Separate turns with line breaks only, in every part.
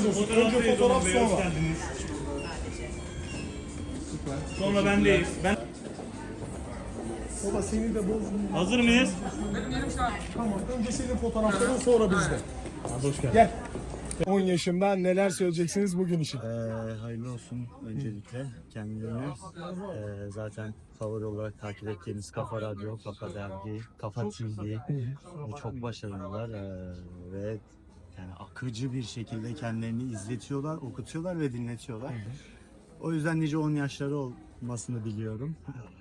olsun. Önce fotoğraf sonra.
Hoş geldiniz. Sonra bendeyiz.
Baba seni de bozmayayım.
Hazır mıyız?
Tamam. Önce senin fotoğrafların sonra bizde.
Hoş geldin.
Gel. 10 yaşında neler söyleyeceksiniz bugün için?
Hayırlı olsun öncelikle kendilerine. Zaten favori olarak takip ettiğimiz Kafa Radyo, Kafa Dergi, Kafa TV çok başarılılar ve yani akıcı bir şekilde kendilerini izletiyorlar, okutuyorlar ve dinletiyorlar. O yüzden nice 10 yaşları olmasını diliyorum.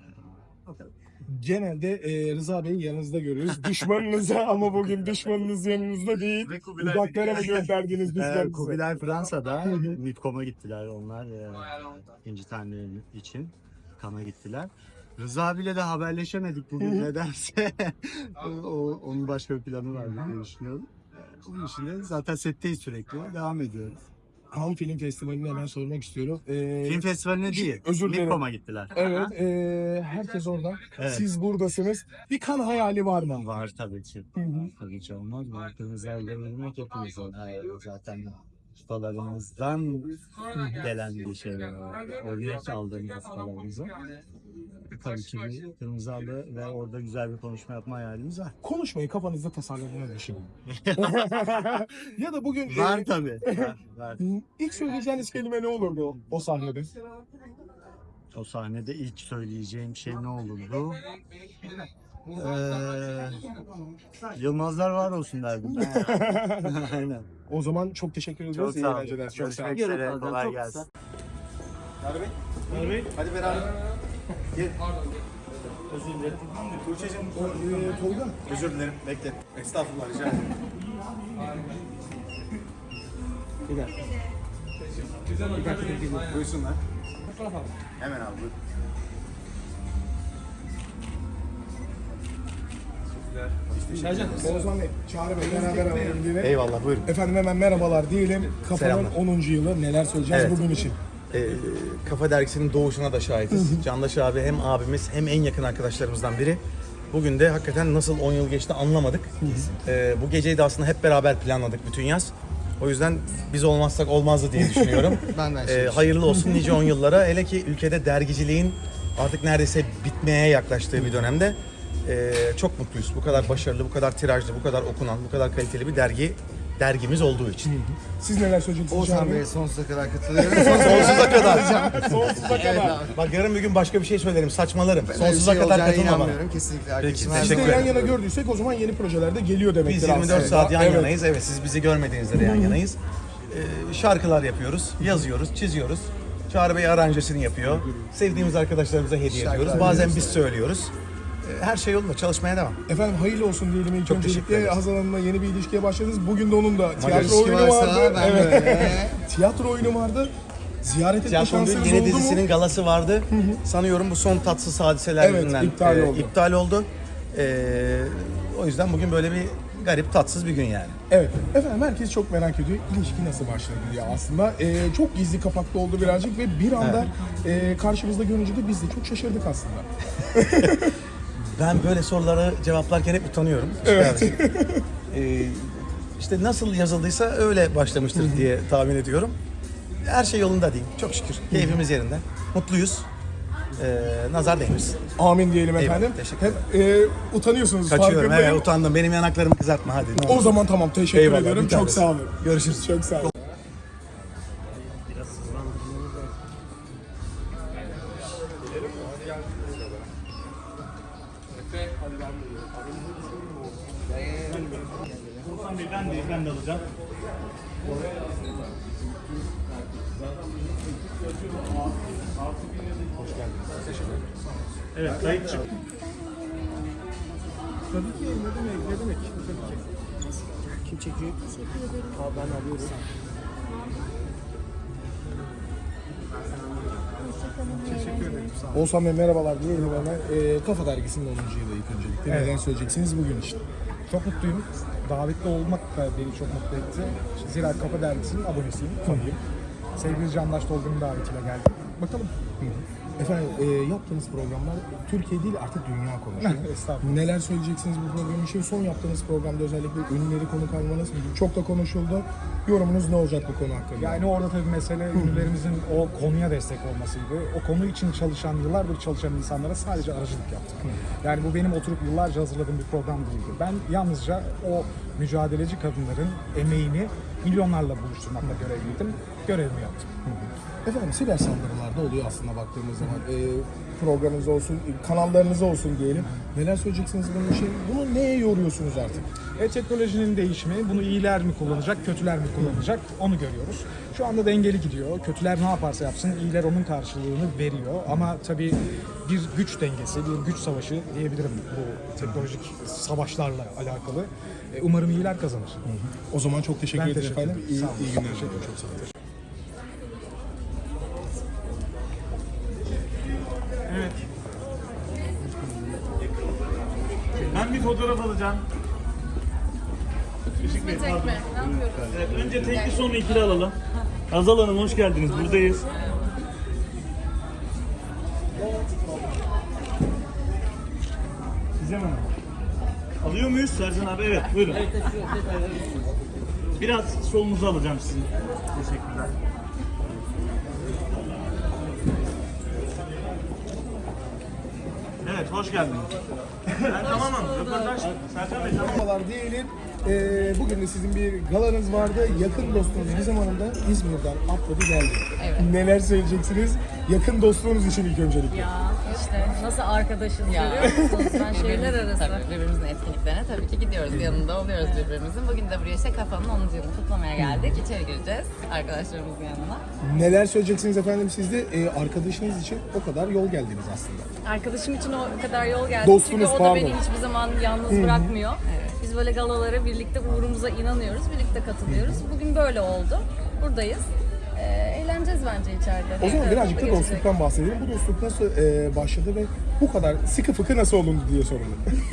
Genelde Rıza Bey'i yanınızda görüyoruz. Düşmanınıza ama bugün düşmanınız yanınızda değil. Uzaklara mı gönderdiniz düşmanınızı?
Kubilay Fransa'da MIPCOM'a gittiler onlar. İkinci tane için Cannes'a gittiler. Rıza abiyle de haberleşemedik bugün nedense. Onun başka bir planı var diye düşünüyorum. Onun için de zaten setteyiz sürekli. Devam ediyoruz.
Cannes Film Festivali'ni hemen sormak istiyorum.
Film festivaline değil,
özür dilerim.
MIPCOM'a gittiler.
Evet, herkes orada.
Evet.
Siz buradasınız. Bir kan hayali var mı?
Var tabii ki. Tabii ki olmaz mı? Kırmızı bilmek hepimizin. Zaten ustalarımızdan gelen bir şey. Örnek aldığımız ustalarımızı. Tabii ki bir kırmızı halı ve orada güzel bir konuşma yapma hayalimiz var.
Konuşmayı kafanızda tasarladığını düşünün. Ya da bugün
Var tabii. Var.
ilk söyleyeceğiniz kelime ne olurdu o sahnede?
O sahnede ilk söyleyeceğim şey ne olurdu? Yılmazlar var olsun derdim. Aynen.
O zaman çok teşekkür ediyoruz.
Çok
İyi
sağ olun.
eğlenceler. Çok sağ olun.
Görüşmek üzere. Kolay gelsin.
Bey.
Hadi beraber. Gel.
Özür dilerim.
Tuğçe'cim.
Tolga.
Özür dilerim. Bekle. Estağfurullah rica ederim.
Bir dakika.
Buyursunlar. Hemen abi buyur.
Oğuzhan Bey, Çağrı Bey beraber alalım diye.
Eyvallah buyurun.
Efendim hemen merhabalar diyelim. Kafanın
Selamlar.
10. yılı neler söyleyeceğiz
Evet.
bugün için?
Kafa Dergisi'nin doğuşuna da şahitiz. Candaş abi hem abimiz hem en yakın arkadaşlarımızdan biri. Bugün de hakikaten nasıl 10 yıl geçti anlamadık. Bu geceyi de aslında hep beraber planladık bütün yaz. O yüzden biz olmazsak olmazdı diye düşünüyorum. Hayırlı olsun nice 10 yıllara. Hele ki ülkede dergiciliğin artık neredeyse bitmeye yaklaştığı bir dönemde çok mutluyuz. Bu kadar başarılı, bu kadar tirajlı, bu kadar okunan, bu kadar kaliteli bir dergimiz olduğu için.
Siz neler söyleyeceksiniz Çağrı
Oğuzhan
Bey?
Bey'e sonsuza kadar katılıyorum.
Sonsuza kadar.
Sonsuza kadar.
Bak yarın bir gün başka bir şey söylerim, saçmalarım.
Öyle bir
Sonsuza
şey
kadar
olacağına
katılma bana.
inanmıyorum. Kesinlikle arkadaşım. her
Siz de
Teşekkür
yan
ederim.
yana gördüysek o zaman yeni projelerde geliyor demektir
Biz 24
aslında.
saat yan
Evet.
yanayız. Evet, siz bizi görmediğinizde de yan yanayız. Şarkılar yapıyoruz, yazıyoruz, çiziyoruz. Çağrı Bey aranjesini yapıyor. Sevdiğimiz arkadaşlarımıza hediye ediyoruz. Bazen biz söylüyoruz. Her şey yolunda, çalışmaya devam.
Efendim hayırlı olsun diyelim ilk
Çok teşekkür
öncelikle.
ederiz.
Hazal Hanım'la yeni bir ilişkiye başladınız. Bugün de onun da tiyatro
İlişki
oyunu
varsa
vardı.
ben
Evet.
böyle.
Tiyatro oyunu vardı. Ziyaret etme
Tiyatronun
şansınız
yeni
oldu
dizisinin
mu?
galası vardı. Sanıyorum bu son tatsız hadiseler
Evet,
yüzünden
iptal oldu.
O yüzden bugün böyle bir garip, tatsız bir gün yani.
Evet. Efendim herkes çok merak ediyor. İlişki nasıl başladı diye aslında. Çok gizli kapaklı oldu birazcık ve bir anda karşımızda görünce de biz de çok şaşırdık aslında.
Ben böyle soruları cevaplarken hep utanıyorum.
Evet.
İşte nasıl yazıldıysa öyle başlamıştır diye tahmin ediyorum. Her şey yolunda değil. Çok şükür. Keyfimiz yerinde. Mutluyuz. Nazar değmesin.
Amin diyelim
Eyvallah,
efendim.
teşekkür
Hep utanıyorsunuz
Kaçıyorum.
farkındayım.
Evet, utandım. Benim yanaklarımı kızartma hadi.
O zaman tamam teşekkür
Eyvallah,
ediyorum.
bir
Çok
tanesi.
sağ olun.
Görüşürüz.
Çok sağ olun.
Oğuzhan Bey ben de alacağım. Hoş geldiniz. Teşekkür ederim. Evet, kayıt çık.
Tabii ki ne demek. Tabii ki. Kim çekiyor? Abi ben alıyorum. Teşekkür ederim. Oğuzhan Bey merhabalar diyelim hemen. Kafa Dergisi'nin 10. yılı ilk öncelikle. Neden söyleyeceksiniz bugün için?
Çok mutluyum. Davetli olmak da beni çok mutlu etti. Zira Kafa Dergisi'nin abonesiyim, fanıyım. Sevgili Candaş Tolga'nın davetiyle geldim. Bakalım.
Efendim yaptığınız programlar Türkiye değil artık dünya konuşuyor.
Estağfurullah.
Neler söyleyeceksiniz bu program için? Son yaptığınız programda özellikle ünlüleri konuk almanız çok da konuşuldu. Yorumunuz ne olacak bu konu hakkında?
Yani orada tabii mesele ünlülerimizin o konuya destek olmasıydı. O konu için çalışan, yıllardır çalışan insanlara sadece aracılık yaptık. Yani bu benim oturup yıllarca hazırladığım bir program değildi. Ben yalnızca o mücadeleci kadınların emeğini milyonlarla buluşturmakla görevliydim. Görevimi yaptım.
Efendim siber saldırılar da oluyor aslında baktığımız zaman. Programınız olsun, kanallarınız olsun diyelim. Neler söyleyeceksiniz bunun için? Bunu neye yoruyorsunuz artık?
Teknolojinin değişimi, bunu iyiler mi kullanacak, kötüler mi kullanacak onu görüyoruz. Şu anda dengeli gidiyor. Kötüler ne yaparsa yapsın, iyiler onun karşılığını veriyor. Ama tabii bir güç dengesi, bir güç savaşı diyebilirim bu teknolojik savaşlarla alakalı. Umarım iyiler kazanır.
O zaman çok teşekkür
Ben
ederim
teşekkür
efendim.
ederim. Sağ olun.
İyi günler. Çok sağ olun.
Evet. Ben bir fotoğraf alacağım. Işık Bey, pardon. Evet, önce tekli sonra ikili alalım. Hazal Hanım hoş geldiniz. Buradayız. Size mi? Alıyor muyuz Sercan abi? Evet, buyurun. Biraz solunuzu alacağım sizin. Teşekkürler. Evet, hoş geldiniz. Ben tamamım. Röportaj. Sercan Bey tamam.
Merhabalar diyelim. Bugün de sizin bir galanız vardı. Yakın dostunuz Gizem Hanım da İzmir'den atladı geldi.
Evet.
Neler söyleyeceksiniz? Yakın dostluğunuz için ilk öncelikle.
Ya işte nasıl arkadaşız görüyor musunuz? Ben şehirler arası.
Tabii birbirimizin etkinliklerine tabii ki gidiyoruz. Yanında oluyoruz birbirimizin. Bugün de buraya işte kafanın 10. yılını kutlamaya geldik. İçeri gireceğiz arkadaşlarımızın yanına.
Neler söyleyeceksiniz efendim siz de arkadaşınız için o kadar yol geldiniz aslında.
Arkadaşım için o kadar yol geldi.
Dostunuz,
Çünkü o da
pardon.
beni hiçbir zaman yalnız bırakmıyor. Biz böyle galalara birlikte uğrumuza inanıyoruz. Birlikte katılıyoruz. Bugün böyle oldu. Buradayız. Eğleneceğiz bence içeride.
O zaman
Evet,
birazcık da
geçecek.
dostluktan bahsedelim. Bu dostluk nasıl başladı ve bu kadar sıkı fıkı nasıl olundu diye soruldu.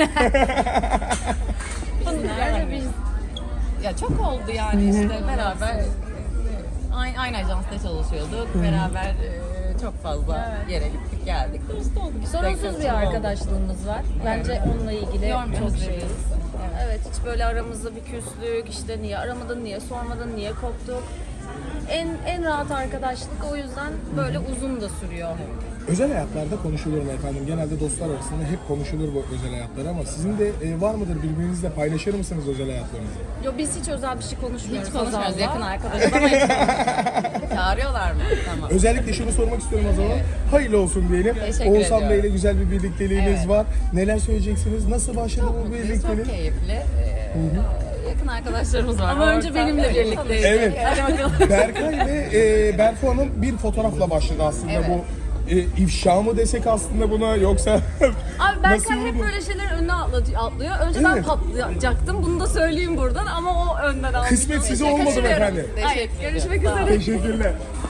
Nerede biz? Ya çok oldu yani işte beraber aynı ajansta çalışıyorduk. Beraber çok fazla yere gittik geldik. Dost olduk. İşte
Sorunsuz
kaçırma
bir
oldu.
arkadaşlığımız var. Bence onunla ilgili
Yormuyoruz
çok şeyiz.
birbirimizi.
Evet, hiç böyle aramızda bir küslük, işte niye aramadın, niye sormadın, niye koptuk. En rahat arkadaşlık o yüzden böyle uzun da sürüyor.
Özel hayatlarda konuşulur mu efendim? Genelde dostlar arasında hep konuşulur bu özel hayatlar ama sizin de var mıdır birbirinizle paylaşır mısınız özel hayatlarınızı?
Yo, biz hiç özel bir şey konuşmuyoruz.
Hiç konuşmuyoruz.
Hazal'la.
Yakın arkadaşız ama hiç çağırıyorlar mı? Tamam.
Özellikle şunu sormak istiyorum o zaman. Hayırlı olsun diyelim.
Teşekkür
Oğuzhan
ediyorum.
Bey'le güzel bir birlikteliğiniz
Evet.
var. Neler söyleyeceksiniz? Nasıl başladı bu
Mutluyuz,
birliktelik?
çok keyifli. Yakın arkadaşlarımız var.
Ama önce
Ortak.
benimle birlikteyiz.
Evet.
Hadi bakalım.
Berkay ve Berfu Hanım bir fotoğrafla başladı aslında
Evet.
bu. İfşa mı desek aslında buna yoksa
Abi
Nasıl
Berkay hep
oldu?
böyle şeylerin önüne atlıyor. Önce ben
Evet.
patlayacaktım. Bunu da söyleyeyim buradan ama o önden aldı.
kısmet size olmadı mı
Kaçırıyorum.
efendim?
Hayır,
Teşekkür
görüşmek
ediyorum.
üzere.
Teşekkürler.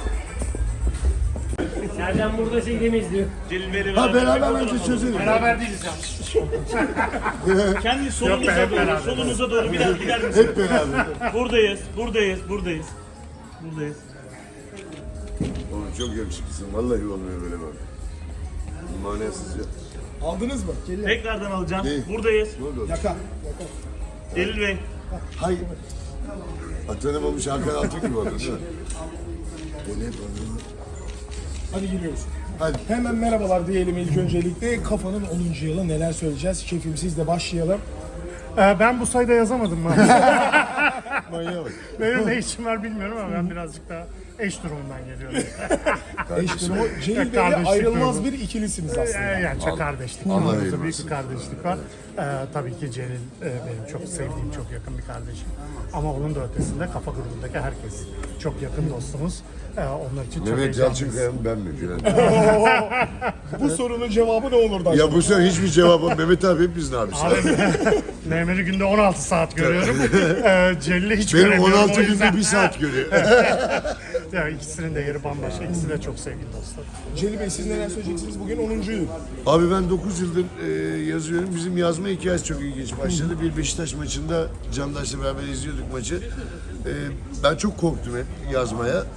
Sercan burada seni izliyor. Celil Bey'le
Ha beraber önce çözelim.
Beraber değiliz ya. Kendi solunuza doğru, solunuza doğru bir daha gider misiniz?
Hep beraber.
Buradayız. Buradayız.
Oğlum çok yakışıklısın. Vallahi olmuyor böyle bak. Manasız ya.
Aldınız mı?
Tekrardan alacağım.
Ne?
Buradayız.
Ne oldu?
Yaka.
Celil Bey.
Hay. Tanımamış Hakan Altık gibi oldu değil mi? Beni hep anladın.
Hadi giriyoruz.
Hadi.
Hemen merhabalar diyelim ilk öncelikle. Kafanın 10. yılı neler söyleyeceğiz? Şefim sizle başlayalım.
Ben bu sayıda yazamadım mı?
Manyağa bak.
Benim ne işim var bilmiyorum ama ben birazcık daha eş durumundan geliyorum.
Eş durumu Celil Bey'le
Kardeşlik
ayrılmaz
durumu.
bir ikilisiniz aslında.
Yani çok kardeşlik.
Allah
Aramızda
ayırmasın.
büyük bir kardeşlik var. Tabii ki Celil benim çok sevdiğim, çok yakın bir kardeşim. Ama onun da ötesinde kafa grubundaki herkes. Çok yakın dostumuz. Onlar için çok
Mehmet
heyecanlıyız.
Yalçınkaya mı ben mi filan?
Bu sorunun cevabı ne olurdu acaba?
Ya bu sefer hiçbir cevabı Mehmet abi hepimizin abisi.
Mehmet'i günde 16 saat görüyorum. Celil'i hiç
Benim
göremiyorum.
16
o yüzden.
günde 1 saat görüyor.
Ya ikisinin de yeri bambaşka. İkisi de çok sevgili dostlar.
Celil Bey siz neler söyleyeceksiniz? Bugün 10. yıl.
Abi ben 9 yıldır yazıyorum. Bizim yazma hikayesi çok ilginç başladı. Bir Beşiktaş maçında Candaş'la beraber izliyorduk maçı. Ben çok korktum hep yazmaya.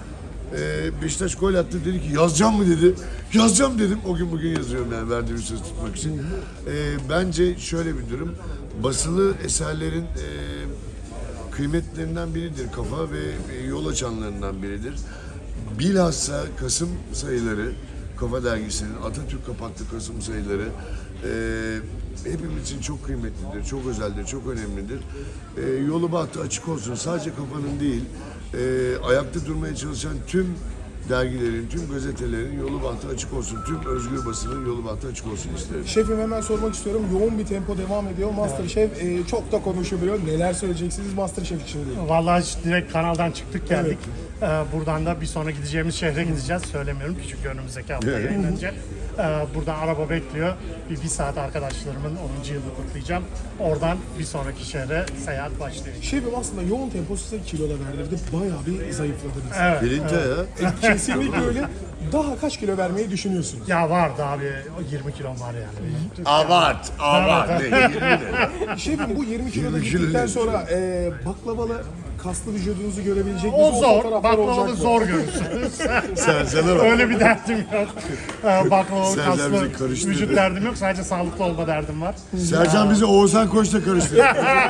Beşiktaş gol attı, dedi ki yazacağım mı dedi. Yazacağım dedim. O gün bugün yazıyorum yani verdiğim söz tutmak için. Bence şöyle bir durum. Basılı eserlerin kıymetlerinden biridir kafa ve yol açanlarından biridir. Bilhassa Kasım sayıları, Kafa Dergisi'nin Atatürk kapaklı Kasım sayıları hepimiz için çok kıymetlidir, çok özeldir, çok önemlidir. Yolu bahtı açık olsun. Sadece Kafa'nın değil, ayakta durmaya çalışan tüm dergilerin, tüm gazetelerin yolu bahtı açık olsun. Tüm özgür basının yolu bahtı açık olsun isterim.
Şefim hemen sormak istiyorum. Yoğun bir tempo devam ediyor. MasterChef çok da konuşuluyor. Neler söyleyeceksiniz MasterChef için değil?
Vallahi direkt kanaldan çıktık geldik. Buradan da bir sonra gideceğimiz şehre gideceğiz. Söylemiyorum ki çünkü önümüzdeki hafta yayınlanacak. Buradan araba bekliyor. Bir saat arkadaşlarımın 10. yılını kutlayacağım. Oradan bir sonraki şehre seyahat başlıyor.
Şefim aslında yoğun tempo size kilo da verdirdi. Bayağı bir zayıfladınız.
Evet.
Bilinçli ya.
Kesinlikle öyle. Daha kaç kilo vermeyi düşünüyorsunuz?
Ya vardı abi, 20 kilom var yani.
Abart. Ne? 20 ne?
Şefim bu 20 kiloda
20 kilo
gittikten
ne?
sonra baklavalı kaslı vücudunuzu görebilecek
O
miyiz?
zor,
fotoğraflar olacak
baklavalı
mı?
zor görürsünüz.
Sercan'a bak.
Öyle bir derdim yok. Baklavalı
Sercan
kaslı
bizi karıştırdı.
vücut derdim yok. Sadece sağlıklı olma derdim var.
Sercan bizi Oğuzhan Koç'la karıştırdı.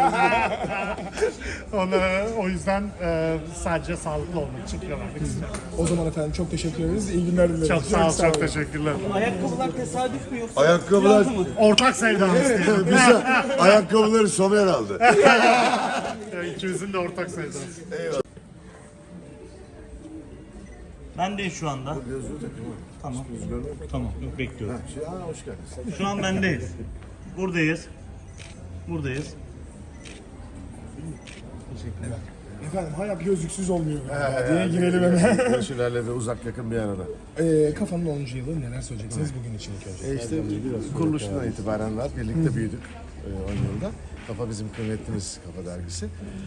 O yüzden sadece sağlıklı olmak için kilo vermek istiyorum.
O zaman efendim çok teşekkür ederiz. İyi günler dileriz.
Çok sağ ol, çok teşekkürler.
Ayakkabılar tesadüf mü yoksa?
Ayakkabılar,
Ortak sevdamız diyelim.
bize ayakkabıları Somer aldı.
İkimizin de ortak sevdası.
Bendeyiz şu anda. Tamam. Tamam. Yok, bekliyorum. Şu an bendeyiz. Buradayız.
Efendim hayat gözlüksüz olmuyor galiba diye girelim hemen.
Ölçülerle de uzak yakın bir arada.
Kafanın 10. yılı neler söyleyeceksiniz bugün için ilk önce?
İşte kuruluşundan itibaren var. Birlikte büyüdük 10 yılda. Kafa bizim kıymetlimiz Kafa Dergisi.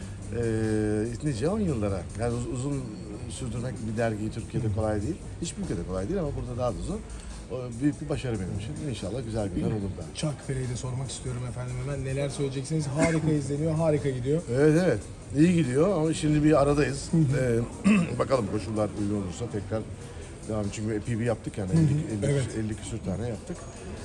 Nice 10 yıllara. Yani uzun sürdürmek bir dergiyi Türkiye'de kolay değil. Hiçbir ülkede kolay değil ama burada daha da uzun. Büyük bir başarı benim için. İnşallah güzel günler olur da.
Çankırı'yı de sormak istiyorum efendim hemen. Neler söyleyeceksiniz? Harika izleniyor, harika gidiyor.
Evet. İyi gidiyor ama şimdi bir aradayız. Bakalım koşullar uygun olursa tekrar devam. Çünkü epey bir yaptık yani. 50 küsür tane yaptık.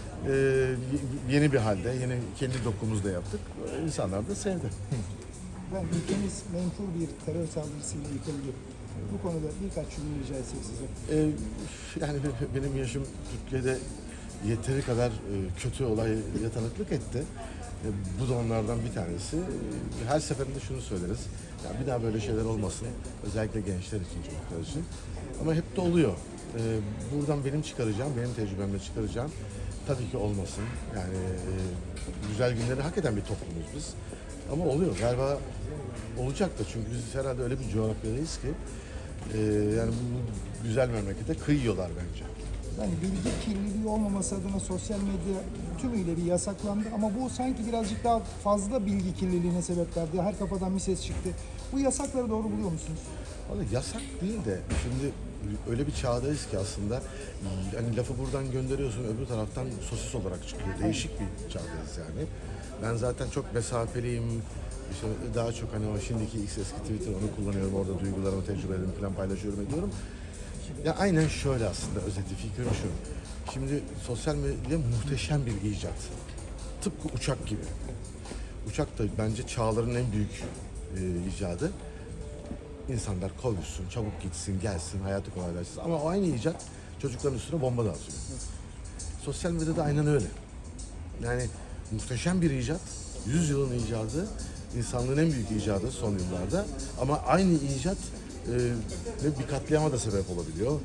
Yeni bir halde, yeni kendi dokumuzda yaptık. İnsanlar da sevdi.
Ben ülkemiz menfur bir terör saldırısıyla yıkıldı. Bu konuda birkaç cümle rica etsek size.
Yani benim yaşım Türkiye'de yeteri kadar kötü olaya tanıklık etti. Bu da onlardan bir tanesi. Her seferinde şunu söyleriz. Ya bir daha böyle şeyler olmasın. Özellikle gençler için, çocuklar için. Ama hep de oluyor. Buradan benim tecrübemle çıkaracağım. Tabii ki olmasın. Yani güzel günleri hak eden bir toplumuz biz. Ama oluyor. Galiba olacak da çünkü biz herhalde öyle bir coğrafyadayız ki yani bu güzel memlekete kıyıyorlar bence.
Yani bilgi kirliliği olmaması adına sosyal medya tümüyle bir yasaklandı ama bu sanki birazcık daha fazla bilgi kirliliğine sebep verdi. Her kafadan bir ses çıktı. Bu yasakları doğru buluyor musunuz?
Vallahi yasak değil de şimdi öyle bir çağdayız ki aslında hani lafı buradan gönderiyorsun öbür taraftan sosis olarak çıkıyor. Değişik bir çağdayız yani. Ben zaten çok mesafeliyim. İşte daha çok hani o şimdiki X eski Twitter onu kullanıyorum. Orada duygularımı, tecrübelerimi falan paylaşıyorum ediyorum. Ya aynen şöyle aslında özeti fikrim şu. Şimdi sosyal medya muhteşem bir icat. Tıpkı uçak gibi. Uçak da bence çağların en büyük icadı. İnsanlar kovuşsun, çabuk gitsin, gelsin, hayatı kolaylaşsın. Ama o aynı icat çocukların üstüne bomba da atıyor. Sosyal medyada aynen öyle. Yani muhteşem bir icat, 100 yılın icadı, insanlığın en büyük icadı son yıllarda. Ama aynı icat bir katliama da sebep olabiliyor.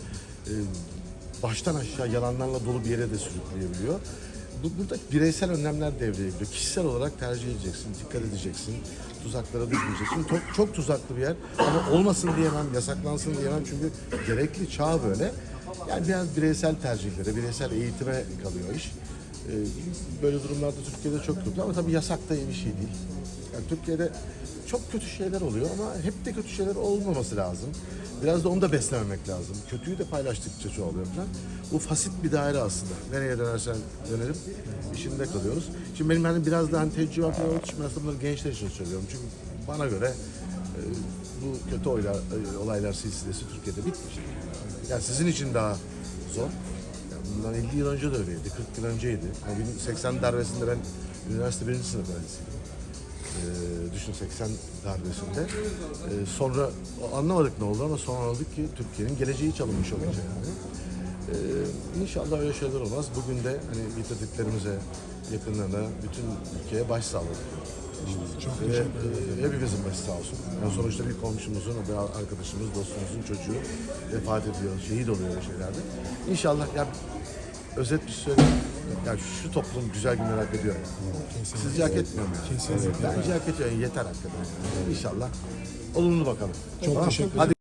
Baştan aşağı yalanlarla dolu bir yere de sürükleyebiliyor. Burada bireysel önlemler devreye giriyor. Kişisel olarak tercih edeceksin, dikkat edeceksin, tuzaklara düşmeyeceksin. Çok tuzaklı bir yer ama olmasın diyemem, yasaklansın diyemem çünkü gerekli çağ böyle. Yani biraz bireysel tercihlere, bireysel eğitime kalıyor iş. Böyle durumlarda Türkiye'de çok kötü ama tabii yasak da iyi bir şey değil. Yani Türkiye'de çok kötü şeyler oluyor ama hep de kötü şeyler olmaması lazım. Biraz da onu da beslememek lazım. Kötüyü de paylaştıkça çoğalıyor falan. Bu fasit bir daire aslında. Nereye dönersen dönelim işinde kalıyoruz. Şimdi benim hani biraz daha hani tecrübe falan olduğu için ben aslında bunları gençler için söylüyorum. Çünkü bana göre bu kötü olaylar silsilesi Türkiye'de bitmeyecek. Yani sizin için daha zor. Yani bundan 50 yıl önce de öyleydi, 40 yıl önceydi. Yani 80 darbesinde ben üniversite 1. sınıf öğrencisiydim. Düşün 80 darbesinde. Sonra anlamadık ne oldu ama sonra anladık ki Türkiye'nin geleceği çalınmış olacak yani. İnşallah öyle şeyler olmaz. Bugün de hani yitirdiklerimize, yakınlarına, bütün ülkeye başsağlığı. Hepimizin başı sağ olsun. Yani sonuçta bir komşumuzun, bir arkadaşımız, dostumuzun çocuğu vefat ediyor, şehit oluyor öyle şeylerde. İnşallah ya özet bir söyleyeyim. Ya şu toplum güzel günler hak ediyor. Sizce hak etmiyor mu?
Kesinlikle.
Bence hak ediyor. Yeter hakikaten. İnşallah olumlu bakalım.
Çok teşekkür ederim.
Hadi